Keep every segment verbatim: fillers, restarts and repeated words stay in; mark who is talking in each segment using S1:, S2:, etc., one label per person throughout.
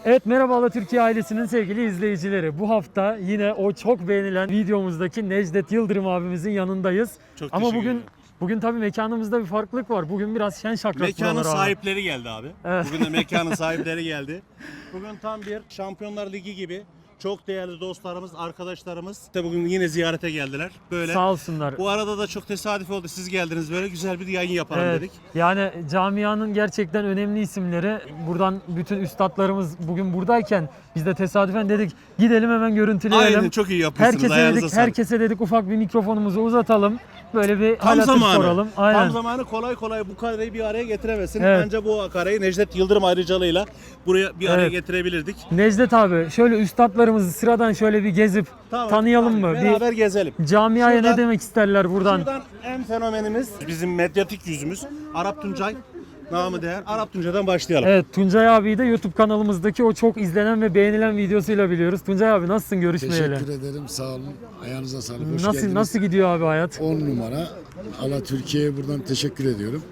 S1: Evet, merhaba Türkiye ailesinin sevgili izleyicileri. Bu hafta yine o çok beğenilen videomuzdaki Necdet Yıldırım abimizin yanındayız.
S2: Çok
S1: Ama
S2: teşekkür
S1: bugün
S2: ederim.
S1: bugün tabii mekanımızda bir farklılık var. Bugün biraz şen şakrak
S2: Mekanın
S1: buralar abi.
S2: sahipleri geldi abi.
S1: Evet.
S2: Bugün de mekanın sahipleri geldi. Bugün tam bir Şampiyonlar Ligi gibi çok değerli dostlarımız, arkadaşlarımız de bugün yine ziyarete geldiler. Böyle.
S1: Sağ olsunlar.
S2: Bu arada da çok tesadüf oldu. Siz geldiniz, böyle güzel bir yayın yapalım
S1: Evet,
S2: dedik.
S1: yani camianın gerçekten önemli isimleri. Buradan bütün üstadlarımız bugün buradayken biz de tesadüfen dedik gidelim hemen görüntüleyelim.
S2: Aynen, çok iyi yapmışsınız.
S1: Herkese
S2: Ayağınıza
S1: dedik,
S2: sağlık.
S1: herkese dedik ufak bir mikrofonumuzu uzatalım. Böyle bir
S2: Tam
S1: hal hatır
S2: zamanı.
S1: soralım. Aynen.
S2: Tam zamanı, kolay kolay bu kareyi bir araya getiremezsin.
S1: Evet.
S2: Ancak bu kareyi Necdet Yıldırım ayrıcalığıyla buraya bir araya
S1: Evet.
S2: getirebilirdik.
S1: Necdet abi, şöyle üstadlarımızı sıradan şöyle bir gezip
S2: Tamam,
S1: tanıyalım
S2: tamam.
S1: mı?
S2: Beraber gezelim.
S1: Bir camiaya
S2: Şuradan-
S1: ne demek isterler buradan?
S2: Şuradan en fenomenimiz, bizim medyatik yüzümüz Arap Tuncay. Namı değer Arap Tuncay'dan başlayalım.
S1: Evet, Tuncay abiyi de YouTube kanalımızdaki o çok izlenen ve beğenilen videosuyla biliyoruz. Tuncay abi nasılsın görüşmeyeli?
S3: Teşekkür ederim, sağ olun. Ayağınıza sağlık, hoş
S1: Nasıl
S3: geldiniz.
S1: nasıl gidiyor abi hayat?
S3: on numara. Allah Türkiye'ye buradan teşekkür ediyorum.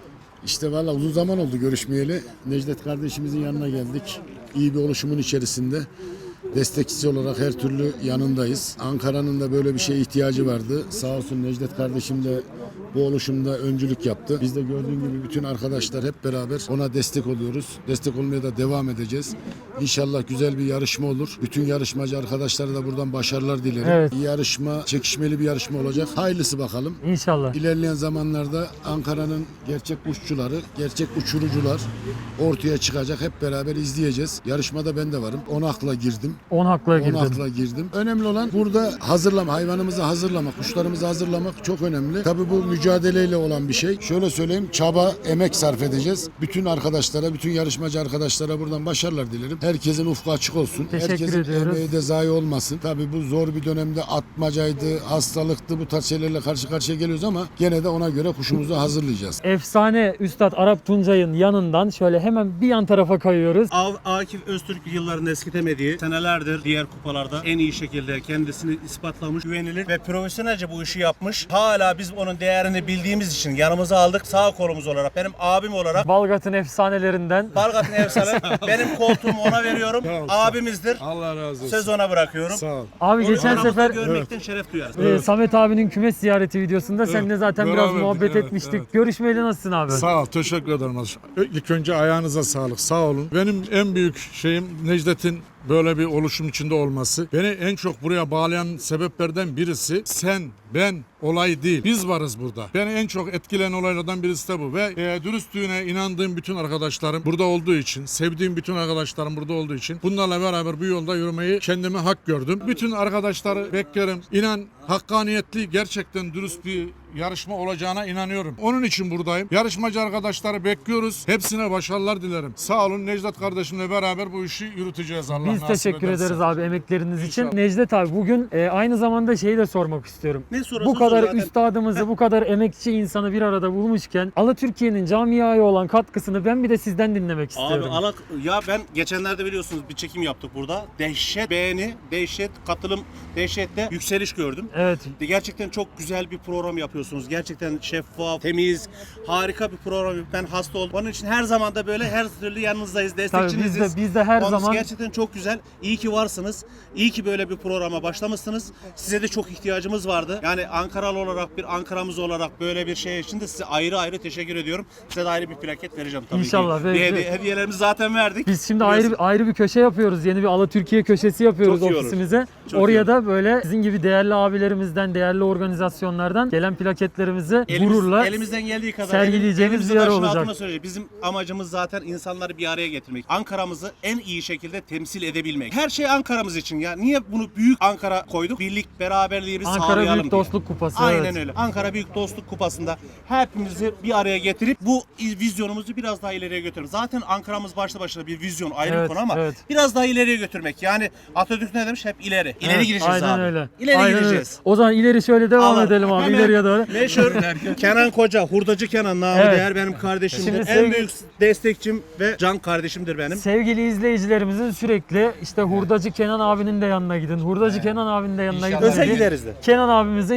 S3: İşte valla uzun zaman oldu görüşmeyeli. Necdet kardeşimizin yanına geldik. İyi bir oluşumun içerisinde. Destekçisi olarak her türlü yanındayız. Ankara'nın da böyle bir şeye ihtiyacı vardı. Sağ olsun Necdet kardeşim de bu oluşumda öncülük yaptı. Biz de gördüğün gibi bütün arkadaşlar hep beraber ona destek oluyoruz. Destek olmaya da devam edeceğiz. İnşallah güzel bir yarışma olur. Bütün yarışmacı arkadaşlara da buradan başarılar dilerim.
S1: Evet.
S3: İyi yarışma, çekişmeli bir yarışma olacak. Hayırlısı bakalım.
S1: İnşallah.
S3: İlerleyen zamanlarda Ankara'nın gerçek uççuları, gerçek uçurucular ortaya çıkacak. Hep beraber izleyeceğiz. Yarışmada ben de varım. on akla girdim.
S1: on hakla
S3: on
S1: girdin.
S3: akla girdim. Önemli olan burada hazırlama, hayvanımızı hazırlamak, kuşlarımızı hazırlamak çok önemli. Tabii bu mücadeleyle olan bir şey. Şöyle söyleyeyim, çaba, emek sarf edeceğiz. Bütün arkadaşlara, bütün yarışmacı arkadaşlara buradan başarılar dilerim. Herkesin ufku açık olsun.
S1: Teşekkür
S3: Herkesin
S1: ediyoruz.
S3: emeği de zayi olmasın. Tabii bu zor bir dönemde atmacaydı, hastalıktı, bu tarz şeylerle karşı karşıya geliyoruz ama gene de ona göre kuşumuzu hazırlayacağız.
S1: Efsane Üstad Arap Tuncay'ın yanından şöyle hemen bir yan tarafa kayıyoruz.
S2: Av- Akif Öztürk yılların eskitemediği, senelerdir diğer kupalarda en iyi şekilde kendisini ispatlamış, güvenilir ve profesyonelce bu işi yapmış. Hala biz onun değerini bildiğimiz için yanımıza aldık. Sağ kolumuz olarak, benim abim olarak.
S1: Balgat'ın efsanelerinden.
S2: Balgat'ın efsane. Benim koltuğumu ona veriyorum.
S4: Sağ ol,
S2: Abimizdir.
S4: Allah razı olsun.
S2: Söz ona bırakıyorum.
S4: Sağ ol.
S1: Abi
S2: Onu
S1: geçen
S2: aramızda
S1: sefer
S2: görmekten şeref duyarız.
S1: e, Samet abinin kümes ziyareti videosunda seninle zaten biraz
S4: beraberdik,
S1: muhabbet
S4: evet,
S1: etmiştik.
S4: evet.
S1: Görüşmeyeli nasılsın abi?
S4: Sağ ol, teşekkür ederim. İlk önce ayağınıza sağlık, sağ olun. Benim en büyük şeyim Necdet'in böyle bir oluşum içinde olması. Beni en çok buraya bağlayan sebeplerden birisi sen, ben, olay değil. Biz varız burada. Beni en çok etkileyen olaylardan birisi de bu. Ve e, dürüstlüğüne inandığım bütün arkadaşlarım burada olduğu için, sevdiğim bütün arkadaşlarım burada olduğu için bunlarla beraber bu yolda yürümeyi kendime hak gördüm. Bütün arkadaşları beklerim. İnan hakkaniyetli, gerçekten dürüst bir yarışma olacağına inanıyorum. Onun için buradayım. Yarışmacı arkadaşları bekliyoruz. Hepsine başarılar dilerim. Sağ olun, Necdet kardeşimle beraber bu işi yürüteceğiz Allah
S1: Biz
S4: nasip
S1: teşekkür
S4: ederse.
S1: ederiz abi emekleriniz için.
S4: İnşallah.
S1: Necdet abi bugün e, aynı zamanda şeyi de sormak istiyorum.
S2: Ne sorarsan
S1: Bu kadar
S2: sor zaten.
S1: üstadımızı, bu kadar emekçi insanı bir arada bulmuşken Ala Türkiye'nin camiaya olan katkısını ben bir de sizden dinlemek
S2: Abi
S1: istiyorum.
S2: alak ya ben geçenlerde biliyorsunuz bir çekim yaptık burada. Dehşet beğeni, dehşet katılım, dehşette yükseliş gördüm.
S1: Evet.
S2: Gerçekten çok güzel bir program yapıyorsunuz. Gerçekten şeffaf, temiz, harika bir program. Ben hasta oldum. Onun için her zaman da böyle her türlü yanınızdayız,
S1: Tabii
S2: destekçiniziz.
S1: biz de, biz de her
S2: Onun
S1: zaman
S2: gerçekten çok güzel. İyi ki varsınız. İyi ki böyle bir programa başlamışsınız. Size de çok ihtiyacımız vardı. Yani Ankaralı olarak bir Ankara'mız olarak böyle bir şey için de size ayrı ayrı teşekkür ediyorum. Size de ayrı bir plaket vereceğim tabii
S1: İnşallah.
S2: ki.
S1: Ve-
S2: Bir
S1: ve-
S2: hediye- hediyelerimizi zaten verdik.
S1: biz şimdi ayrı ayrı bir köşe yapıyoruz. Yeni bir Ala Türkiye köşesi yapıyoruz
S2: Çok iyi olur.
S1: ofisimize.
S2: Çok iyi
S1: Oraya
S2: olur.
S1: da böyle sizin gibi değerli abilerimizden, değerli organizasyonlardan gelen plaketlerimizi
S2: Elimiz-
S1: gururla
S2: elimizden geldiği kadar
S1: sergileyeceğimiz
S2: elimizi
S1: bir yer
S2: taşın
S1: olacak.
S2: altına söyleyeceğiz. Bizim amacımız zaten insanları bir araya getirmek. Ankara'mızı en iyi şekilde temsil edebilmek. Her şey Ankara'mız için ya. Niye bunu büyük Ankara koyduk? Birlik, beraberliği biz
S1: Ankara
S2: sağlayalım
S1: Büyük
S2: diye.
S1: Dostluk Kupası.
S2: Aynen
S1: evet.
S2: öyle. Ankara Büyük Dostluk Kupası'nda hepimizi bir araya getirip bu vizyonumuzu biraz daha ileriye götürmek. Zaten Ankara'mız başlı başına bir vizyon ayrı
S1: Evet,
S2: bir konu ama
S1: evet.
S2: biraz daha ileriye götürmek. Yani Atatürk ne demiş? Hep ileri. İleri
S1: Evet,
S2: gireceğiz
S1: aynen
S2: abi.
S1: Öyle.
S2: İleri
S1: Aynen
S2: gireceğiz.
S1: Öyle. O zaman ileri şöyle devam
S2: Allah.
S1: edelim abi.
S2: Hemen
S1: İleriye doğru.
S2: Meşhur Kenan Koca, hurdacı Kenan namı
S1: Evet.
S2: değer benim kardeşimdir.
S1: Şimdi
S2: En
S1: sevgili-
S2: büyük destekçim ve can kardeşimdir benim.
S1: Sevgili izleyicilerimizin sürekli işte Hurdacı Kenan abinin de yanına gidin. Hurdacı Kenan abinin de yanına gidin.
S2: Öze
S1: dediği
S2: gideriz de.
S1: Kenan abimizin şu an yanında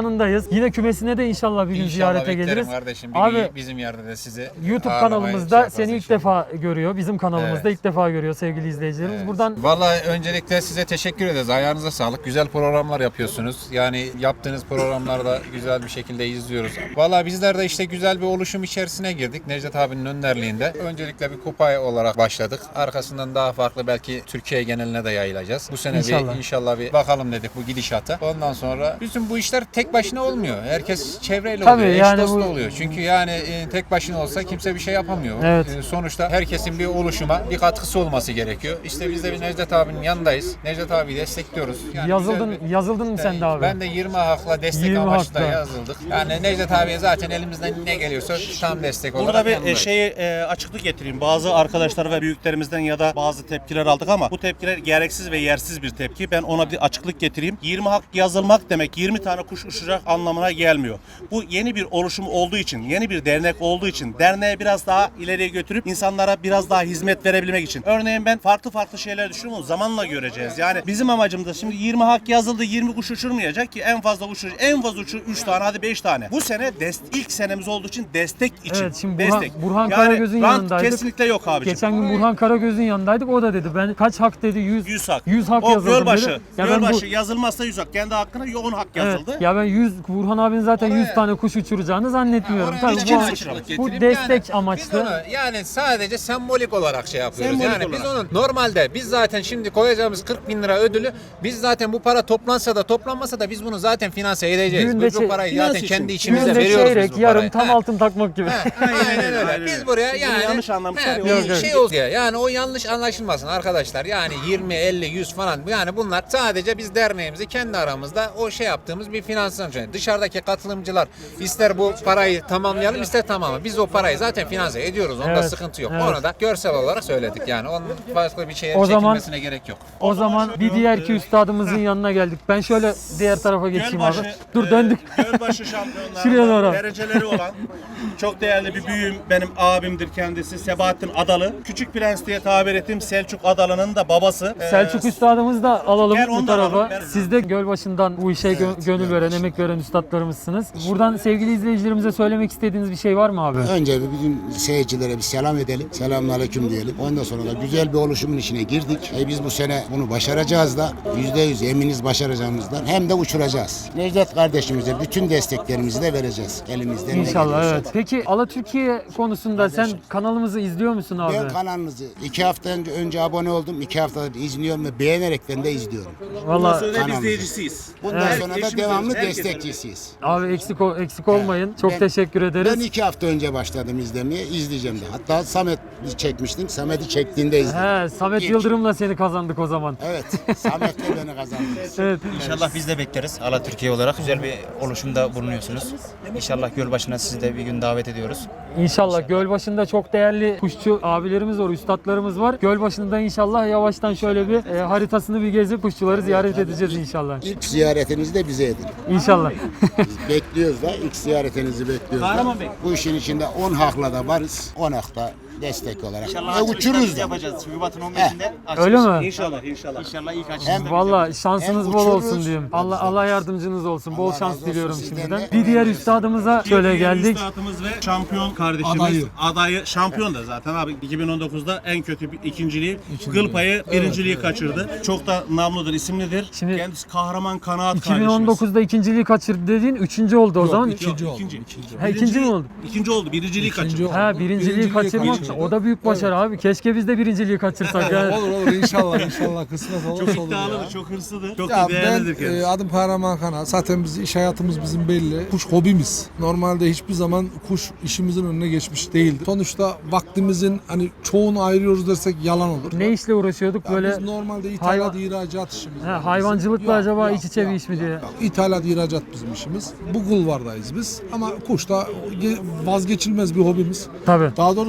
S1: yanındayız. Yine kümesine de inşallah bir gün
S5: İnşallah
S1: ziyarete
S5: beklerim
S1: geliriz.
S5: kardeşim. Bir
S1: Abi
S5: gün bizim yerde de sizi
S1: YouTube
S5: ağırlamaya
S1: kanalımızda
S5: şey
S1: seni
S5: yaparız
S1: ilk defa görüyor. Bizim kanalımızda
S5: Evet.
S1: ilk defa görüyor sevgili izleyicilerimiz.
S5: Evet.
S1: Buradan
S5: Vallahi öncelikle size teşekkür ederiz. Ayağınıza sağlık. Güzel programlar yapıyorsunuz. Yani yaptığınız programlarda güzel bir şekilde izliyoruz. Vallahi bizler de işte güzel bir oluşum içerisine girdik. Necdet abinin önderliğinde. Öncelikle bir kupa olarak başladık. Arkasından daha farklı belki Türkiye geneline de yayılacağız. Bu sene
S1: İnşallah.
S5: bir inşallah bir bakalım dedik bu gidişata. Ondan sonra bütün bu işler tek başına olmuyor. Herkes çevreyle
S1: Tabii
S5: oluyor.
S1: yani
S5: eş dostla
S1: bu-
S5: oluyor. Çünkü yani e, tek başına olsa kimse bir şey yapamıyor.
S1: Evet.
S5: E, sonuçta herkesin bir oluşuma bir katkısı olması gerekiyor. İşte biz de bir Necdet abinin yanındayız. Necdet abiyi destekliyoruz. Yani
S1: yazıldın
S5: güzel bir-
S1: yazıldın mı sen de abi?
S5: Ben de yirmi hakla destek
S1: yirmi
S5: amaçlı da
S1: hakla.
S5: yazıldık. Yani Necdet abiye zaten elimizden ne geliyorsa tam destek olarak
S2: Burada bir e,
S5: yanındayız.
S2: şeyi e, açıklık getireyim. Bazı arkadaşlar ve büyüklerimizden ya da bazı tepkiler aldık ama bu tepkiler gereksiz ve yersiz bir tepki. Ben ona bir açıklık getireyim. yirmi hak yazılmak demek yirmi tane kuş uçacak anlamına gelmiyor. Bu yeni bir oluşum olduğu için, yeni bir dernek olduğu için, derneği biraz daha ileriye götürüp insanlara biraz daha hizmet verebilmek için. Örneğin ben farklı farklı şeyler düşünüyorum. Zamanla göreceğiz. Yani bizim amacımız da şimdi yirmi hak yazıldı, yirmi kuş uçurmayacak ki en fazla uçur, en fazla uçur üç tane hadi beş tane. Bu sene dest, ilk senemiz olduğu için destek için.
S1: Evet, şimdi Burhan-
S2: destek.
S1: Burhan
S2: yani
S1: Karagöz'ün
S2: rant
S1: yanındaydık.
S2: kesinlikle yok abiciğim.
S1: Geçen gün Burhan Karagöz'ün yanındaydık. O da dedi ben kaç hak dedi? yüz
S2: yüz hak.
S1: yüz hak
S2: o
S1: yazıldım
S2: Gölbaşı.
S1: dedi. Ya ben
S2: Gölbaşı
S1: bu-
S2: yazılmazsa yüz hak. Kendi hakkına yoğun hak
S1: Evet,
S2: yazıldı.
S1: ya ben yüz Burhan abinin zaten yüz
S5: Oraya-
S1: tane kuş uçuracağını zannetmiyorum.
S5: Oraya
S1: Tabii
S5: hiç
S1: bu,
S5: açıklık
S1: bu
S5: getireyim.
S1: destek
S5: Yani
S1: amaçlı.
S5: Biz onu yani sadece sembolik olarak şey yapıyoruz.
S2: Sembolik
S5: yani biz
S2: olarak.
S5: onun normalde biz zaten şimdi koyacağımız kırk bin lira ödülü biz zaten bu para toplansa da toplanmasa da biz bunu zaten finanse edeceğiz.
S1: Düğünde
S5: Biz
S1: şey-
S5: bu parayı
S2: finans
S5: zaten
S2: için.
S5: kendi içimizde
S1: Düğünde
S5: veriyoruz biz
S1: çeyrek,
S5: bu
S1: yarım
S5: parayı.
S1: tam
S5: Ha.
S1: altın takmak gibi.
S5: Aynen öyle.
S2: Aynen
S5: Biz
S2: öyle.
S5: buraya
S2: Bunu
S5: yani
S2: yanlış anlamışlar
S5: he,
S2: ya.
S5: bir
S1: Yok, yok.
S5: şey oldu ya. Yani o yanlış anlaşılmasın arkadaşlar. Yani yirmi, elli, yüz falan yani bunlar sadece biz derneğimizi kendi aramızda o şey yaptığımız bir finansman. Dışarıdaki katılımcılar ister bu parayı tamamlayalım ister tamamı. Biz o parayı zaten finanse ediyoruz. Onda
S1: Evet,
S5: sıkıntı yok.
S1: evet.
S5: Onu da görsel olarak söyledik. Yani onun başka bir şeye
S1: O zaman-
S5: çekilmesine gerek yok.
S1: O zaman bir diğer iki üstadımızın yanına geldik. Ben şöyle diğer tarafa geçeyim abi.
S2: Gölbaşı,
S1: Dur
S2: e,
S1: döndük.
S2: Gölbaşı
S1: Şuraya doğru.
S2: şampiyonlarında dereceleri olan çok değerli bir büyüğüm benim abimdir kendisi Sebahattin Adalı. Küçük Prens diye tabir ettiğim Selçuk Adalı'nın da babası. E,
S1: Selçuk üstadımızı da alalım
S2: Gel
S1: bu
S2: onu da
S1: tarafa.
S2: alalım, gel.
S1: Siz de Gölbaşı'ndan bu işe gö- gönül veren, emek veren üstadlarımızsınız. Buradan sevgili izleyicilerimize söylemek istediğiniz bir şey var mı abi?
S6: Önce bir bütün seyircilere bir selam edelim. Selamünaleyküm diyelim. Ondan sonra da güzel bir oluşumun içine girdik. E biz bu sene bunu başaracağız da yüzde yüz eminiz başaracağımızdan hem de uçuracağız. Necdet kardeşimize bütün desteklerimizi de vereceğiz. Elimizden ne
S1: İnşallah
S6: geliyorsa.
S1: evet. Peki Ala Türkiye konusunda sen kanalımızı izliyor musun abi?
S6: Ben kanalınızı iki hafta önce, önce abone oldum. iki haftadır izliyorum ve beğenerekten de izliyorum.
S2: Bundan
S1: Vallahi
S2: sonra da biz
S6: kanalımızı.
S2: izleyicisiyiz.
S6: Bundan
S1: Evet.
S6: sonra da
S2: Eşimiz
S6: devamlı
S2: olsun, herkes
S6: destekçisiyiz.
S1: abi eksik ol- eksik olmayın. Çok
S6: Ben-
S1: teşekkür ederiz.
S6: Ben iki hafta önce başladım izlemeye. İzleyeceğim de. Hatta Samet'i çekmiştim. Samet'i çektiğinde izledim.
S1: He, Samet
S6: İlk.
S1: Yıldırım'la seni kazandık o zaman.
S6: Evet. Samet'le beni kazandınız.
S1: Evet.
S7: İnşallah biz de bekleriz. Ala Türkiye olarak güzel bir oluşumda bulunuyorsunuz. İnşallah Gölbaşı'na sizi de bir gün davet ediyoruz.
S1: İnşallah Gölbaşı'nda çok değerli kuşçu abilerimiz var, üstadlarımız var. Gölbaşı'nda inşallah yavaştan şöyle bir e, haritasını bir gezip kuşçuları ziyaret edeceğiz inşallah.
S6: İlk ziyaretinizi de bize edin.
S1: İnşallah.
S6: Biz bekliyoruz da ilk ziyaretinizi bekliyoruz da.
S2: Kahraman Bey.
S6: Bu işin içinde on hakla da varız. on hakta destek olarak.
S7: İnşallah
S6: Ve
S7: açılışta
S6: uçururuz
S7: biz
S6: da.
S7: yapacağız. Şubat'ın on beşinde
S1: Öyle mi?
S2: İnşallah inşallah.
S7: İnşallah ilk açılışta
S6: Hem
S7: biz
S1: Valla şansınız
S6: Hem
S1: bol
S6: uçururuz.
S1: olsun diyeyim. Allah Allah yardımcınız olsun. Bol
S6: Allah
S1: şans
S6: razı olsun
S1: diliyorum
S6: sizden
S1: şimdiden.
S6: de.
S1: Bir diğer üstadımıza şöyle geldik.
S2: Üstadımız ve şampiyon kardeşimiz. Adayı. Adayı şampiyon da zaten abi. iki bin on dokuzda en kötü bir ikinciliği, kıl payı birinciliği kaçırdı. Çok da namludur, isimlidir.
S1: Şimdi-
S2: Kendisi kahraman kanaat
S1: iki bin on
S2: kardeşimiz.
S1: dokuzda ikinciliği kaçırdı dediğin üçüncü oldu o zaman.
S2: İkinci oldu. İkinci.
S1: Ha, ikinci mi oldu?
S2: İkinci oldu. Birinciliği kaçırdı.
S1: Ha birinciliği kaçırmak o da büyük başarı abi. Keşke biz de birinciliği kaçırsak. Yani.
S8: Olur olur inşallah inşallah kısmet olursa
S2: Çok
S8: olur
S2: iddialıdır,
S8: ya.
S2: çok hırslıdır. Çok
S8: Ya
S2: da
S8: ben
S2: değerlidir
S8: e,
S2: kendisi.
S8: adım Kahraman Kana. Zaten biz iş hayatımız bizim belli. Kuş hobimiz. Normalde hiçbir zaman kuş işimizin önüne geçmiş değildi. Sonuçta vaktimizin hani çoğunu ayırıyoruz dersek yalan olur.
S1: Ne işle uğraşıyorduk
S8: Ya
S1: böyle?
S8: biz normalde ithalat
S1: hayvan-
S8: ihracat işimiz.
S1: Ha,
S8: var
S1: hayvancılıkla
S8: bizim. Yok,
S1: acaba
S8: yok,
S1: iç içe bir
S8: yok,
S1: iş mi
S8: yok,
S1: diye?
S8: yok. İthalat ihracat bizim işimiz. Bu kulvardayız biz. Ama kuş da ge- vazgeçilmez bir hobimiz.
S1: Tabii.
S8: Daha doğrusu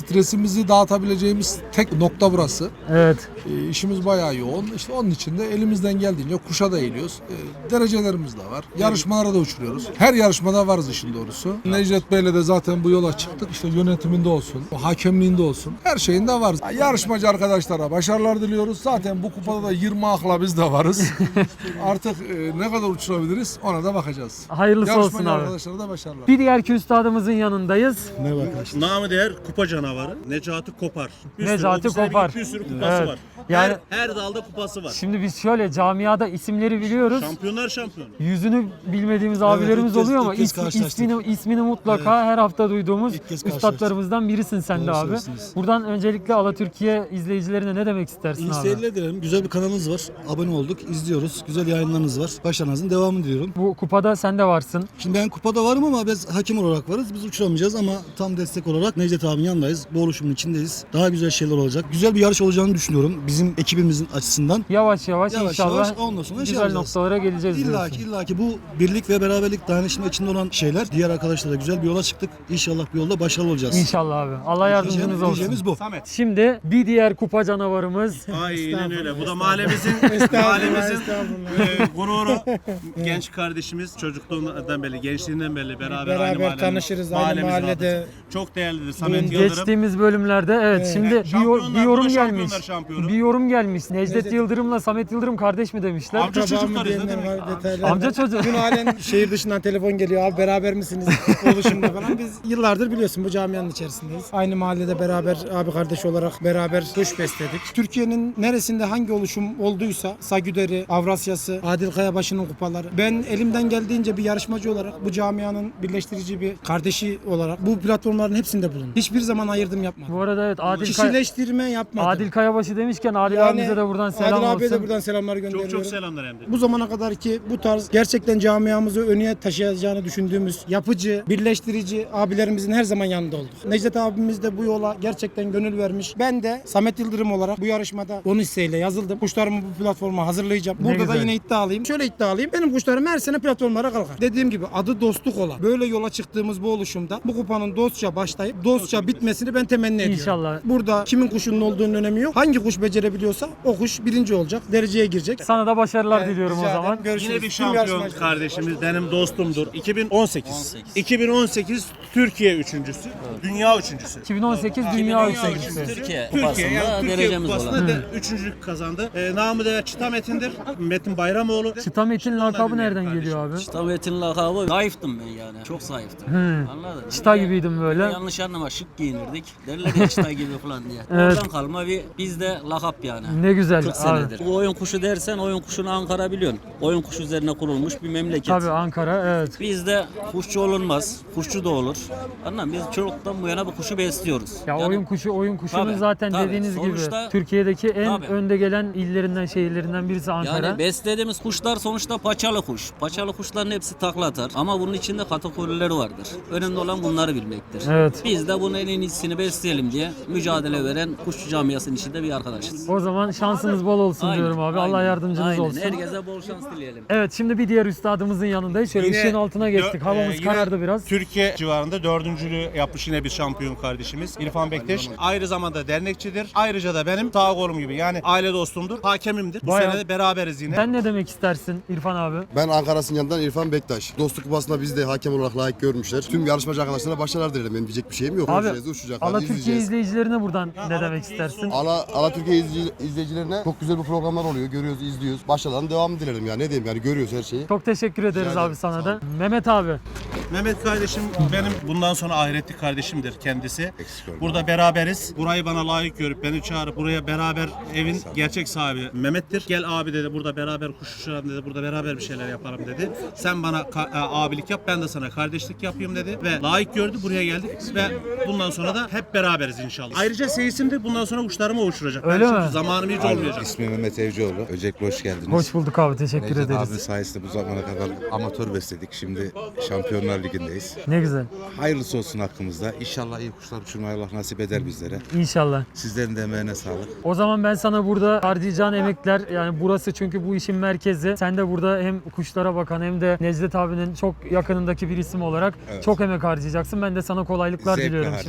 S8: stresimizi dağıtabileceğimiz tek nokta burası.
S1: Evet.
S8: E, işimiz bayağı yoğun. İşte onun için de elimizden geldiğince kuşa da eğiliyoruz. E, derecelerimiz de var. Yarışmalara da uçuruyoruz. Her yarışmada varız işin doğrusu. Necdet Bey'le de zaten bu yola çıktık. İşte yönetiminde olsun, hakemliğinde olsun. Her şeyinde varız. Yarışmacı arkadaşlara başarılar diliyoruz. Zaten bu kupada da yirmi akla biz de varız. Artık e, ne kadar uçurabiliriz ona da bakacağız.
S1: Hayırlısı
S8: Yarışmacı
S1: olsun abi.
S8: arkadaşlara da başarılar.
S1: Bir diğer üstadımızın yanındayız.
S3: Merhaba arkadaşlar.
S2: Namı değer kupa canavarı Necati Kopar. Bir sürü,
S1: Necati
S2: o sene
S1: Kopar.
S2: Bir sürü kupası
S1: Evet.
S2: var.
S1: Yani-
S2: her, her dalda kupası var.
S1: Şimdi biz şöyle camiada isimleri biliyoruz.
S2: Şampiyonlar şampiyonu.
S1: Yüzünü bilmediğimiz abilerimiz
S9: ilk kez-
S1: oluyor ama
S9: ilk kez
S1: ismi-
S9: karşılaştık.
S1: ismini, ismini mutlaka her hafta duyduğumuz
S9: İlk kez
S1: üstadlarımızdan birisin sen de
S9: Doğru
S1: abi.
S9: söylüyorsunuz.
S1: Buradan öncelikle Alatürkiye izleyicilerine ne demek istersin
S9: İyi
S1: abi?
S9: seyirler dilerim. Güzel bir kanalınız var. Abone olduk, izliyoruz. Güzel yayınlarınız var. Başarınızın devamını diliyorum.
S1: Bu kupada sen de varsın.
S9: Şimdi ben kupada varım ama biz hakem olarak varız. Biz uçuramayacağız ama tam destek olarak Necdet abinin yanındayız. Bu oluşumun içindeyiz. Daha güzel şeyler olacak. Güzel bir yarış olacağını düşünüyorum bizim ekibimizin açısından.
S1: Yavaş yavaş,
S9: Yavaş
S1: inşallah
S9: yavaş ondan sonra şey
S1: güzel
S9: yapacağız.
S1: noktalara geleceğiz
S9: İlla ki,
S1: diyorsun.
S9: illa ki bu birlik ve beraberlik dayanışma içinde olan şeyler. Diğer arkadaşlarla güzel bir yola çıktık. İnşallah bu yolda başarılı olacağız.
S1: İnşallah abi. Allah yardımcınız
S9: Diyeceğimiz-
S1: olsun.
S9: diyeceğimiz bu.
S2: Samet.
S1: Şimdi bir diğer kupa canavarımız
S2: Aynen öyle. Bu da mahallemizin mahallemizin e, gururu. Genç kardeşimiz çocukluğundan beri, gençliğinden beri beraber,
S10: Beraber
S2: aynı mahallenin-
S10: tanışırız, aynı
S2: mahallemiz
S10: mahallede.
S2: vardır. Çok değerlidir Samet Yıldırım.
S1: geçtiğimiz bölümlerde evet, şimdi bir, yor-
S2: Şampiyonlar,
S1: bir yorum
S2: bu da
S1: gelmiş.
S2: şampiyonlar şampiyonu.
S1: Bir yorum gelmiş. Necdet Yıldırım'la Samet Yıldırım kardeş mi demişler?
S2: Amca
S10: Akraba mı
S2: çocuklarız ne
S10: diyenler
S2: demek?
S10: var, detaylar.
S1: Amca çocuğu.
S10: Dün halen şehir dışından telefon geliyor, abi beraber misiniz oluşumda falan. Biz yıllardır biliyorsun bu camianın içerisindeyiz. Aynı mahallede beraber abi kardeş olarak beraber kuş besledik. Türkiye'nin neresinde hangi oluşum olduysa Sagüder'i, Avrasya'sı, Adil Kayabaşı'nın kupaları. Ben elimden geldiğince bir yarışmacı olarak bu camianın birleştirici bir kardeşi olarak bu platformların hepsinde bulundum. Hiçbir zaman ayırdım yapmadım.
S1: Bu arada evet Adil, Kay-
S10: Kişileştirme yapmadım.
S1: Adil Kayabaşı demişken Adil
S10: Yani
S1: abimize de buradan selam
S10: Adil abiye
S1: olsun.
S10: de buradan selamlar gönderiyorum.
S2: Çok çok selamlar hem de.
S10: Bu zamana kadar ki bu tarz gerçekten camiamızı öne taşıyacağını düşündüğümüz yapıcı, birleştirici abilerimizin her zaman yanında olduk. Necdet abimiz de bu yola gerçekten gönül vermiş. Ben de Samet Yıldırım olarak bu yarışmada onun hisseyle yazıldım. Kuşlarımı bu platforma hazırlayacağım.
S1: Ne
S10: Burada da
S1: güzel.
S10: yine iddialıyım. Şöyle iddialıyım. Benim kuşlarım her sene platformlara kalkar. Dediğim gibi adı dostluk olan. Böyle yola çıktığımız bu oluşumda bu kupanın dostça başlayıp dostça bitmesini ben temenni ediyorum.
S1: İnşallah.
S10: Burada kimin kuşunun olduğunun önemi yok. Hangi kuş becerebiliyorsa o kuş birinci olacak. Dereceye girecek.
S1: Sana da başarılar
S10: Evet,
S1: diliyorum o
S10: rica
S1: zaman.
S10: ederim. Görüşürüz.
S2: Yine bir
S10: Tüm
S2: şampiyon
S10: yarışmacılar.
S2: kardeşimiz, benim dostumdur. iki bin on sekiz. iki bin on sekiz Türkiye üçüncüsü, dünya üçüncüsü.
S1: iki bin on sekiz Dünya Üçüncüsü.
S2: Türkiye,
S11: Türkiye
S2: Türkiye
S11: kupasında
S2: yani Türkiye
S11: derecemiz
S2: kupasında
S11: olan.
S2: de üçüncülük kazandı. Ee, namı da Çıta Metin'dir. Metin Bayramoğlu.
S1: Çıta Metin lakabı nereden geliyor abi?
S11: Tavetin lakabı zayıftım ben yani. Çok zayıftım.
S1: Hı.
S11: Anladın?
S1: Çıta
S11: Bir de
S1: gibiydim böyle.
S11: Yanlış anlama şık giyinirdik. Derler ya çıta gibi falan diye.
S1: Evet.
S11: Oradan kalma bir bizde lakap yani.
S1: Ne güzel
S11: kırk
S1: abi.
S11: senedir. Bu oyun kuşu dersen oyun kuşunu Ankara biliyorsun. Oyun kuşu üzerine kurulmuş bir memleket.
S1: Tabii Ankara evet.
S11: Bizde kuşçu olunmaz. Kuşçu da olur. Anladın mı? Biz çocuktan bu yana bu kuşu besliyoruz.
S1: Ya
S11: Yani-
S1: oyun kuşu oyun kuşunun
S11: Tabii,
S1: zaten
S11: tabii.
S1: dediğiniz
S11: Sonuçta-
S1: gibi Türkiye'deki en
S11: Tabii.
S1: önde gelen illerinden şehirlerinden birisi Ankara.
S11: Yani beslediğimiz kuşlar sonuçta paçalı kuş. Paçalı kuşların hepsi takla atar. Ama bunun içinde kategorileri vardır. Önemli olan bunları bilmektir.
S1: Evet.
S11: Biz de bunun en iyisini besleyelim diye mücadele veren kuşçu camiasının içinde bir arkadaşız.
S1: O zaman şansınız bol olsun
S11: Aynen,
S1: diyorum abi. Allah
S11: aynen,
S1: yardımcınız
S11: aynen.
S1: olsun.
S11: Herkese bol şans dileyelim.
S1: Evet şimdi bir diğer üstadımızın yanındayız. Şöyle
S2: Yine
S1: ışığın altına geçtik.
S2: dö-
S1: Havamız
S2: e, yine
S1: karardı biraz.
S2: Türkiye civarında dördüncülüğü yapmış yine bir şampiyon kardeşimiz İrfan Bektaş. Aynı zamanda dernekçidir. Ayrıca da benim sağ kolum gibi yani aile dostumdur. Hakemimdir. Bu
S1: Bayağı-
S2: sene de beraberiz yine.
S1: Sen ne demek istersin İrfan abi?
S12: Ben Ankara Sincan'dan İrfan Bektaş. Dostluk Kupası'nda bizi de hakem olarak layık görmüşler. Tüm yarışmacı arkadaşlarına başarılar dilerim. Benim diyecek bir şeyim yok.
S1: Abi
S12: Uçacağız, uçacaklar,
S1: Ala Türkiye
S12: izleyeceğiz.
S1: izleyicilerine buradan ne demek istersin?
S12: Ala, Ala Türkiye izleyici- izleyicilerine çok güzel bir programlar oluyor. Görüyoruz, izliyoruz. Başarıların devamı dilerim ya. Ne diyeyim yani görüyoruz her şeyi.
S1: Çok teşekkür ederiz
S12: Rica
S1: abi
S12: ederim,
S1: sana
S12: sağ
S1: da. Mehmet abi.
S2: Mehmet kardeşim benim bundan sonra ahiretli kardeşimdir kendisi.
S12: Eksik olma.
S2: Burada beraberiz. Burayı bana layık görüp beni çağırıp buraya beraber evin gerçek sahibi Mehmet'tir. Gel abi dedi burada beraber kuş uçuralım dedi. Burada beraber bir şeyler yapalım dedi. Sen bana ka- e, abilik yap ben de sana kardeşlik yapayım dedi. Ve layık gördü buraya geldik ve bundan sonra da hep beraberiz inşallah. Ayrıca seyisim de bundan sonra kuşlarımı uçuracak.
S1: Öyle
S2: Ben
S1: mi?
S2: çünkü zamanım hiç olmayacak.
S13: İsmim Mehmet Evcioğlu. Öncelikle hoş geldiniz.
S1: Hoş bulduk abi. Teşekkür
S13: Necdet
S1: ederiz.
S13: abi sayesinde bu zamana kadar amatör besledik. Şimdi Şampiyonlar Ligi'ndeyiz.
S1: Ne güzel.
S13: Hayırlısı olsun hakkımızda. İnşallah iyi kuşlar uçurmayı Allah nasip eder bizlere.
S1: İnşallah.
S13: Sizlerin de emeğine sağlık.
S1: O zaman ben sana burada harcayacağın emekler yani burası çünkü bu işin merkezi. Sen de burada hem kuşlara bakan hem de Necdet abinin çok yakınındaki bir isim olarak
S13: Evet.
S1: çok emek harcayacaksın. Ben de sana kolaylıklar
S13: Zevkle
S1: diliyorum şimdiden
S13: harcayacağız
S1: abi.
S13: bu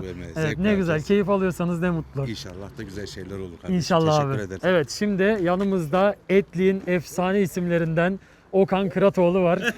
S13: vermeye.
S1: Evet,
S13: zevk
S1: ne güzel.
S13: alacağız.
S1: Keyif alıyorsanız ne mutlu.
S13: İnşallah da güzel şeyler olur kardeşim.
S1: İnşallah
S13: Teşekkür
S1: abi.
S13: ederim.
S1: Evet, şimdi yanımızda Etlik'in efsane isimlerinden Okan Kıratoğlu var.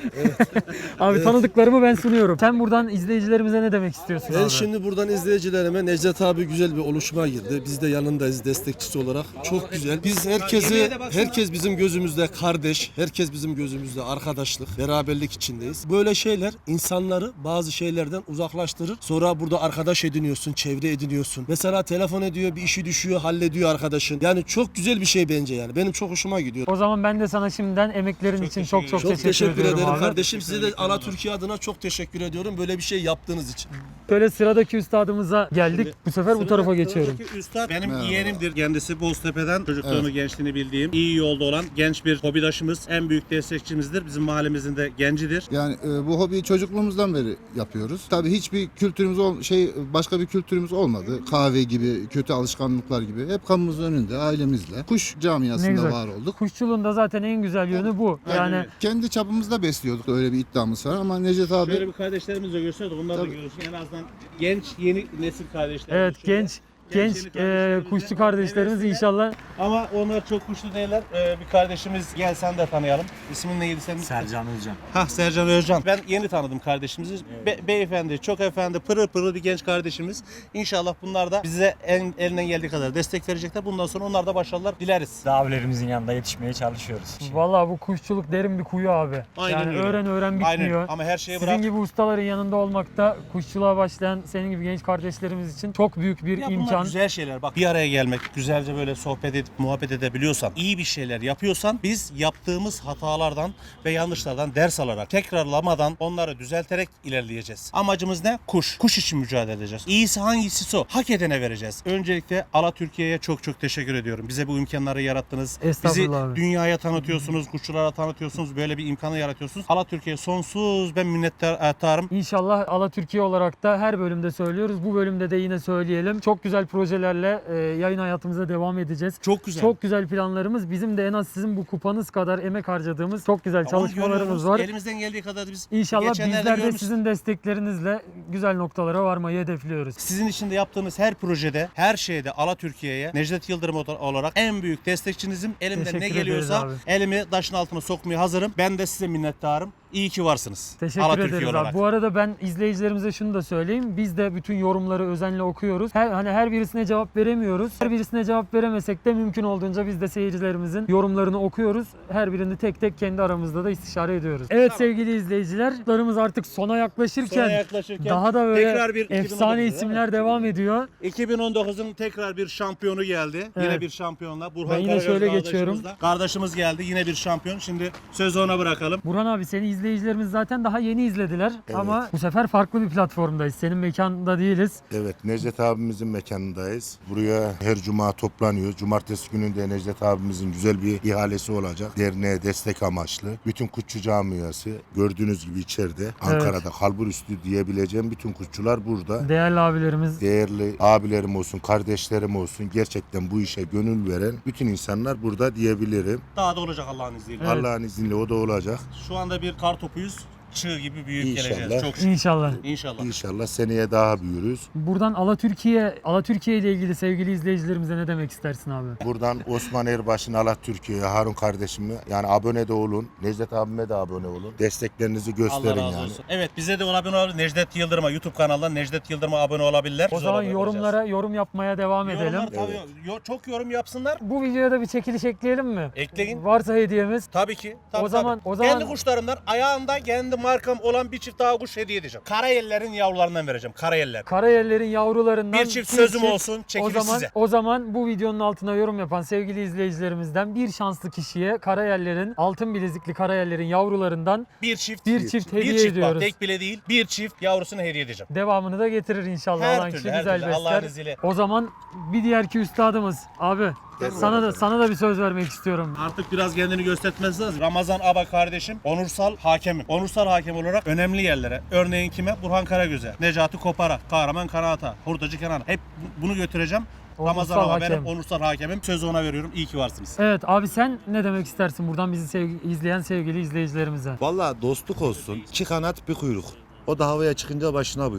S1: Abi tanıdıklarımı ben sunuyorum. Sen buradan izleyicilerimize ne demek istiyorsun
S14: Ben
S1: abi?
S14: şimdi buradan izleyicilerime Necdet abi güzel bir oluşuma girdi. Biz de yanındayız destekçisi olarak. Çok güzel. Biz herkesi, herkes bizim gözümüzde kardeş, herkes bizim gözümüzde arkadaşlık, beraberlik içindeyiz. Böyle şeyler insanları bazı şeylerden uzaklaştırır. Sonra burada arkadaş ediniyorsun, çevre ediniyorsun. Mesela telefon ediyor, bir işi düşüyor, hallediyor arkadaşın. Yani çok güzel bir şey bence yani. Benim çok hoşuma gidiyor.
S1: O zaman ben de sana şimdiden emeklerin için çok çok,
S14: Çok
S1: teşekkür,
S14: teşekkür
S1: ediyorum
S14: ederim
S1: abi.
S14: kardeşim. Size de Ala Türkiye adına çok teşekkür ediyorum. Böyle bir şey yaptığınız için.
S1: Böyle sıradaki üstadımıza geldik.
S2: Şimdi
S1: Bu sefer bu tarafa geçiyorum.
S2: Sıradaki üstad benim yeğenimdir. Kendisi Boztepe'den çocukluğunu, gençliğini bildiğim, iyi yolda olan genç bir hobidaşımız. En büyük destekçimizdir. Bizim mahallemizin de gencidir.
S15: Yani e, bu hobiyi çocukluğumuzdan beri yapıyoruz. Tabii hiçbir kültürümüz ol, şey başka bir kültürümüz olmadı. Kahve gibi, kötü alışkanlıklar gibi. Hep kapımızın önünde ailemizle. Kuş
S1: Ne
S15: camiasında
S1: güzel.
S15: var olduk.
S1: Kuşçuluğun da zaten en güzel yönü bu. Yani
S15: Kendi çapımızda besliyorduk. Öyle bir iddiamız var ama Necdet abi
S2: Şöyle bir kardeşlerimiz de gösterdi. Onlar da
S15: Tabii.
S2: görsün. En azından genç, yeni nesil kardeşlerimiz.
S1: evet
S2: Şöyle.
S1: genç genç
S2: yeni
S1: e,
S2: kardeşlerimiz
S1: kuşçu
S2: de
S1: kardeşlerimiz
S2: hevesliler.
S1: inşallah.
S2: Ama onlar çok kuşlu değiller. Ee, bir kardeşimiz gel sen de tanıyalım. İsmin neydi senin?
S7: Sercan Özcan.
S2: Hah Sercan Özcan. Ben yeni tanıdım kardeşimizi. Be- beyefendi, çok efendi, pırıl pırıl bir genç kardeşimiz. İnşallah bunlar da bize en, elinden geldiği kadar destek verecekler. Bundan sonra onlar da başarılar dileriz.
S7: Abilerimizin yanında yetişmeye çalışıyoruz.
S1: Vallahi bu kuşçuluk derin bir kuyu abi.
S2: Aynen
S1: yani
S2: öyle.
S1: öğren öğren bitmiyor.
S2: Aynen. Ama her şeyi
S1: Sizin
S2: bırak.
S1: gibi ustaların yanında olmak da kuşçuluğa başlayan senin gibi genç kardeşlerimiz için çok büyük bir
S2: Ya bunlar
S1: imkan.
S2: güzel şeyler. Bak bir araya gelmek, güzelce böyle sohbet edip muhabbet edebiliyorsan, iyi bir şeyler yapıyorsan biz yaptığımız hatalardan ve yanlışlardan ders alarak, tekrarlamadan onları düzelterek ilerleyeceğiz. Amacımız ne? Kuş. Kuş için mücadele edeceğiz. İyisi hangisi o? Hak edene vereceğiz. Öncelikle Ala Türkiye'ye çok çok teşekkür ediyorum. Bize bu imkanları yarattınız. Bizi
S1: Estağfurullah abi.
S2: dünyaya tanıtıyorsunuz, kuşçulara tanıtıyorsunuz. Böyle bir imkanı yaratıyorsunuz. Ala Türkiye'ye sonsuz ben minnettarım.
S1: İnşallah Ala Türkiye olarak da her bölümde söylüyoruz. Bu bölümde de yine söyleyelim. Çok güzel projelerle e, yayın hayatımıza devam edeceğiz.
S2: Çok güzel.
S1: Çok güzel planlarımız. Bizim de en az sizin bu kupanız kadar emek harcadığımız çok güzel
S2: Ama
S1: çalışmalarımız
S2: görüyoruz,
S1: var.
S2: Elimizden geldiği kadar biz
S1: İnşallah
S2: geçenlerde
S1: bizler de
S2: görmüşsünüz.
S1: sizin desteklerinizle güzel noktalara varmayı hedefliyoruz.
S2: Sizin için de yaptığınız her projede, her şeyde Ala Türkiye'ye Necdet Yıldırım olarak en büyük destekçinizim. Elimden
S1: Teşekkür
S2: ne
S1: ederiz
S2: geliyorsa
S1: abi.
S2: elimi taşın altına sokmaya hazırım. Ben de size minnettarım. İyi ki varsınız.
S1: Teşekkür
S2: Ala
S1: ederiz
S2: Türkiye
S1: abi.
S2: olarak.
S1: Bu arada ben izleyicilerimize şunu da söyleyeyim. Biz de bütün yorumları özenle okuyoruz. Her hani her birisine cevap veremiyoruz. Her birisine cevap veremesek de mümkün olduğunca biz de seyircilerimizin yorumlarını okuyoruz. Her birini tek tek kendi aramızda da istişare ediyoruz. Evet sevgili izleyiciler, larımız artık sona yaklaşırken,
S2: Sona yaklaşırken
S1: daha da böyle
S2: tekrar bir
S1: efsane
S2: iki bin on dokuz,
S1: isimler devam ediyor.
S2: iki bin on dokuzun tekrar bir şampiyonu geldi.
S1: Evet.
S2: Yine bir şampiyonla. Burhan
S1: Ben yine
S2: Karagöz
S1: şöyle
S2: kardeşimiz
S1: geçiyorum.
S2: de. Kardeşimiz geldi. Yine bir şampiyon. Şimdi sözü ona bırakalım.
S1: Burhan abi seni izleyicilerimiz zaten daha yeni izlediler ama bu sefer farklı bir platformdayız. Senin mekanda değiliz.
S3: Evet, Necdet abimizin mekanındayız. Buraya her cuma toplanıyor. Cumartesi günü de Necdet abimizin güzel bir ihalesi olacak. Derneğe destek amaçlı. Bütün kuşçu camiası gördüğünüz gibi içeride. Ankara'da kalbur üstü diyebileceğim bütün kuşçular burada.
S1: Değerli abilerimiz.
S3: Değerli abilerim olsun, kardeşlerim olsun, gerçekten bu işe gönül veren bütün insanlar burada diyebilirim.
S2: Daha da olacak Allah'ın izniyle.
S3: Allah'ın izniyle o da olacak.
S2: Şu anda bir kar topuyuz. Çığ gibi büyük
S3: İnşallah.
S2: geleceğiz. Çok şükür.
S1: İnşallah.
S2: İnşallah.
S3: İnşallah seneye daha büyürüz.
S1: Buradan Ala Türkiye, Ala Türkiye ile ilgili sevgili izleyicilerimize ne demek istersin abi?
S3: Buradan Osman Erbaş'ın Allah Türkiye'ye, Harun kardeşime yani abone de olun. Necdet abime de abone olun. Desteklerinizi gösterin
S2: Allah razı
S3: yani.
S2: olsun. Evet bize de abone olabilir. Necdet Yıldırım'a YouTube kanalından Necdet Yıldırım'a abone olabilirler.
S1: O
S2: Biz
S1: zaman
S2: abone
S1: yorumlara
S2: olacağız.
S1: yorum yapmaya devam edelim.
S2: Yorumlar tabii yo- çok yorum yapsınlar.
S1: Bu videoya da bir çekiliş ekleyelim mi?
S2: Ekleyin.
S1: Varsa hediyemiz.
S2: Tabii ki. Tabii,
S1: O zaman-
S2: tabii.
S1: o zaman-
S2: kendi kuşlarımdan ayağında kendi markam olan bir çift daha kuş hediye edeceğim. Karayellerin yavrularından vereceğim. Karayeller.
S1: Karayellerin yavrularından
S2: Bir çift sözüm olsun,
S1: O
S2: çekiliş
S1: zaman
S2: size.
S1: o zaman bu videonun altına yorum yapan sevgili izleyicilerimizden bir şanslı kişiye Karayellerin altın bilezikli Karayellerin yavrularından
S2: Bir çift.
S1: bir çift hediye
S2: bir çift
S1: ediyoruz.
S2: bak tek bile değil. Bir çift yavrusunu hediye edeceğim.
S1: Devamını da getirir inşallah.
S2: Her
S1: Allah'ın
S2: türlü,
S1: kişi
S2: her
S1: güzel
S2: türlü. Allah'ın
S1: besler.
S2: izniyle.
S1: O zaman bir diğerki üstadımız abi sana da sana da bir söz vermek istiyorum.
S2: Artık biraz kendini göstermesi lazım. Ramazan Aba kardeşim, onursal hakemim. Onursal hakem olarak önemli yerlere. Örneğin kime? Burhan Karagöz'e, Necati Kopar'a, Kahraman Karahat'a, Hurdacı Kenan'a. Hep bu- bunu götüreceğim.
S1: Onursal
S2: Ramazan Aba benim
S1: hakem.
S2: onursal hakemim. Sözü ona veriyorum. İyi ki varsınız.
S1: Evet abi sen ne demek istersin buradan bizi sevgi- izleyen sevgili izleyicilerimize?
S13: Vallahi dostluk olsun. İki kanat bir kuyruk. O da havaya çıkınca başına buyruk.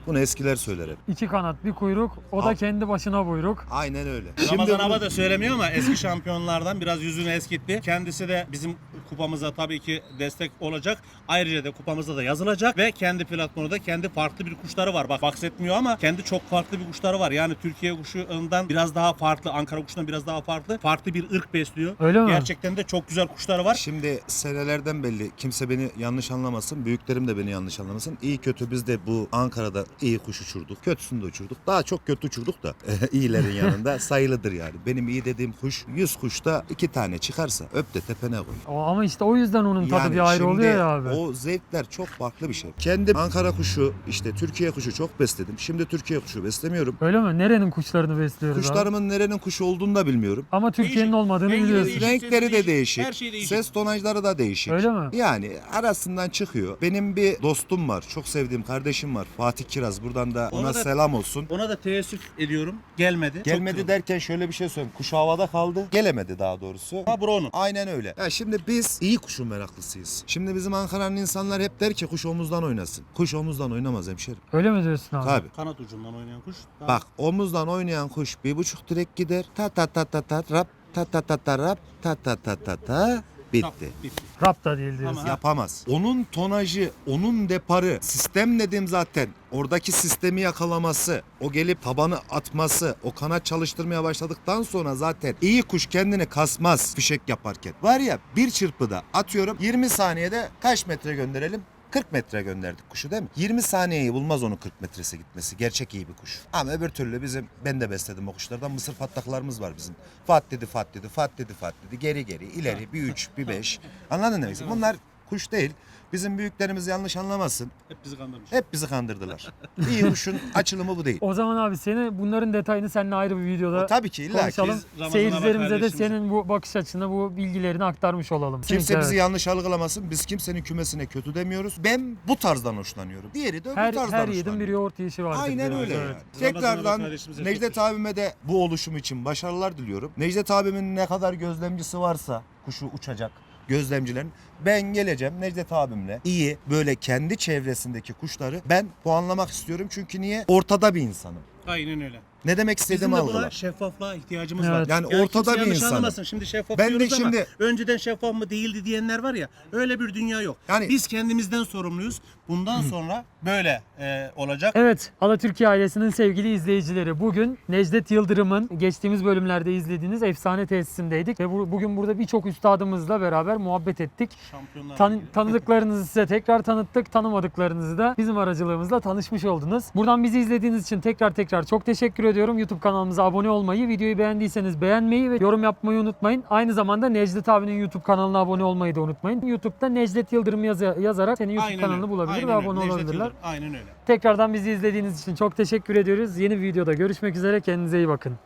S13: Bunu eskiler söyler hep.
S1: İki kanat bir kuyruk, o da
S13: Al.
S1: kendi başına buyruk.
S13: Aynen öyle.
S2: Ramazan
S13: bunu-
S2: Aba da söylemiyor ama eski şampiyonlardan biraz yüzünü eskitti. Kendisi de bizim kupamıza tabii ki destek olacak. Ayrıca da kupamızda da yazılacak ve kendi platformunda kendi farklı bir kuşları var. Bak bahsetmiyor ama kendi çok farklı bir kuşları var. Yani Türkiye kuşundan biraz daha farklı, Ankara kuşundan biraz daha farklı. Farklı bir ırk besliyor.
S1: Öyle mi?
S2: Gerçekten de çok güzel kuşları var.
S13: Şimdi senelerden belli, kimse beni yanlış anlamasın, büyüklerim de beni yanlış anlamasın. İyi kötü biz de bu Ankara'da iyi kuş uçurduk, kötüsünü de uçurduk. Daha çok kötü uçurduk da iyilerin yanında sayılıdır yani. Benim iyi dediğim kuş yüz kuşta iki tane çıkarsa öp de tepene koy.
S1: O, ama işte o yüzden onun tadı bir ayrı
S13: şimdi
S1: oluyor ya abi.
S13: O zevkler çok farklı bir şey. Kendim Ankara kuşu, işte Türkiye kuşu çok besledim. Şimdi Türkiye kuşu beslemiyorum.
S1: Öyle mi? Nerenin kuşlarını besliyoruz abi?
S13: Kuşlarımın nerenin kuşu olduğunu da bilmiyorum.
S1: Ama Türkiye'nin
S2: Değişik.
S1: olmadığını
S2: Rengi de
S1: biliyorsun.
S2: değişik.
S13: Renkleri de
S2: değişik,
S13: değişik.
S2: her şey değişik.
S13: Ses tonajları da değişik.
S1: Öyle mi?
S13: Yani arasından çıkıyor. Benim bir dostum var. Çok sevdiğim kardeşim var. Fatih Kiraz. Buradan da ona,
S2: Ona da-
S13: selam olsun.
S2: Ona da teessüf ediyorum. Gelmedi.
S13: Gelmedi
S2: Çok
S13: derken şöyle bir şey söyleyeyim. Kuş havada kaldı. Gelemedi daha doğrusu.
S2: Ha bu onun.
S13: Aynen öyle. Ya şimdi biz iyi kuşun meraklısıyız. Şimdi bizim Ankara'nın insanlar hep der ki kuş omuzdan oynasın. Kuş omuzdan oynamaz hemşerim.
S1: Öyle mi diyorsun abi?
S13: Tabii.
S2: Kanat ucundan oynayan kuş. Daha-
S13: Bak omuzdan oynayan kuş bir buçuk direk gider. Ta ta ta ta ta rap ta ta ta ta rap ta ta ta ta ta bitti.
S2: Bitti.
S1: Rap da değil diyorsun.
S2: Ama-
S13: Yapamaz. Onun tonajı, onun deparı, sistem dedim zaten. Oradaki sistemi yakalaması, o gelip tabanı atması, o kanat çalıştırmaya başladıktan sonra zaten iyi kuş kendini kasmaz fişek yaparken. Var ya bir çırpıda atıyorum yirmi saniyede kaç metre gönderelim? kırk metre gönderdik kuşu değil mi? yirmi saniyeyi bulmaz onun kırk metresi gitmesi. Gerçek iyi bir kuş. Ama öbür türlü bizim, ben de besledim o kuşlardan. Mısır fatlaklarımız var bizim. Fat dedi, fat dedi, fat dedi, fat dedi. Geri geri, ileri, bir üç, bir beş. Anladın ne demek? Bunlar kuş değil. Bizim büyüklerimiz yanlış anlamasın.
S2: Hep bizi kandırmış.
S13: Hep bizi kandırdılar. İyi kuşun açılımı bu değil.
S1: O zaman abi seni bunların detayını seninle ayrı bir videoda
S13: O tabii ki illa ki.
S1: konuşalım.
S2: Biz Ramazan
S1: Seyircilerimize
S2: abi
S1: de
S2: kardeşimize-
S1: senin bu bakış açını, bu bilgilerini aktarmış olalım.
S13: Kimse
S1: Evet.
S13: bizi yanlış algılamasın. Biz kimsenin kümesine kötü demiyoruz. Ben bu tarzdan hoşlanıyorum. Diğeri de öbür
S1: Her,
S13: tarzdan
S1: her yiğidin
S13: hoşlanıyor.
S1: bir yoğurt yiyişi vardır.
S13: Aynen
S1: diyoruz,
S13: öyle
S1: evet.
S13: yani.
S2: Ramazan abi
S13: Tekrardan
S2: kardeşimize çok
S13: Necdet abime de bu oluşum için başarılar diliyorum. Necdet abimin ne kadar gözlemcisi varsa kuşu uçacak gözlemcilerin, ben geleceğim Necdet abimle iyi böyle kendi çevresindeki kuşları ben puanlamak istiyorum. Çünkü niye? Ortada bir insanım.
S2: Aynen öyle.
S13: Ne demek
S2: Bizim
S13: istediğimi
S2: de buna
S13: algılar.
S2: şeffaflığa ihtiyacımız
S1: Evet.
S2: var.
S13: Yani ortada
S2: kimse
S13: bir
S2: yanlış
S13: insanım.
S2: anlamasın. Şimdi şeffaf
S13: Ben de
S2: diyoruz ama
S13: şimdi-
S2: önceden şeffaf mı değildi diyenler var ya, öyle bir dünya yok.
S13: Yani-
S2: Biz kendimizden sorumluyuz. Bundan sonra böyle e, olacak.
S1: Evet, Alatürkiye ailesinin sevgili izleyicileri, bugün Necdet Yıldırım'ın geçtiğimiz bölümlerde izlediğiniz efsane tesisindeydik ve bu, bugün burada birçok üstadımızla beraber muhabbet ettik.
S2: Şampiyonlar
S1: Tan-
S2: Ligi.
S1: tanıdıklarınızı size tekrar tanıttık, tanımadıklarınızı da bizim aracılığımızla tanışmış oldunuz. Buradan bizi izlediğiniz için tekrar tekrar çok teşekkür ediyorum. YouTube kanalımıza abone olmayı, videoyu beğendiyseniz beğenmeyi ve yorum yapmayı unutmayın. Aynı zamanda Necdet abinin YouTube kanalına abone olmayı da unutmayın. YouTube'da Necdet Yıldırım yazı- yazarak senin YouTube
S2: Aynen
S1: kanalını
S2: öyle.
S1: bulabilir
S2: Aynen
S1: ve
S2: öyle.
S1: abone
S2: Necdet
S1: olabilirler.
S2: Yıldırım. Aynen öyle.
S1: Tekrardan bizi izlediğiniz için çok teşekkür ediyoruz. Yeni bir videoda görüşmek üzere. Kendinize iyi bakın.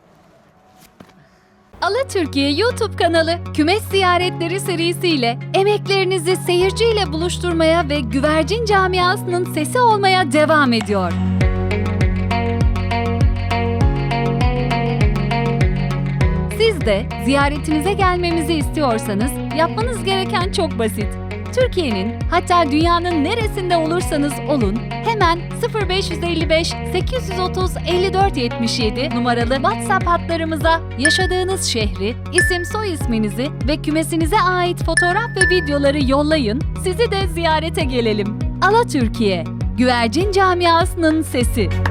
S16: Alatürkiye YouTube kanalı kümes ziyaretleri serisiyle emeklerinizi seyirciyle buluşturmaya ve güvercin camiasının sesi olmaya devam ediyor. Siz de ziyaretinize gelmemizi istiyorsanız yapmanız gereken çok basit. Türkiye'nin hatta dünyanın neresinde olursanız olun hemen sıfır beş elli beş sekiz otuz elli dört yetmiş yedi numaralı WhatsApp hatlarımıza yaşadığınız şehri, isim soy isminizi ve kümesinize ait fotoğraf ve videoları yollayın, sizi de ziyarete gelelim. Alatürkiye, güvercin camiasının sesi.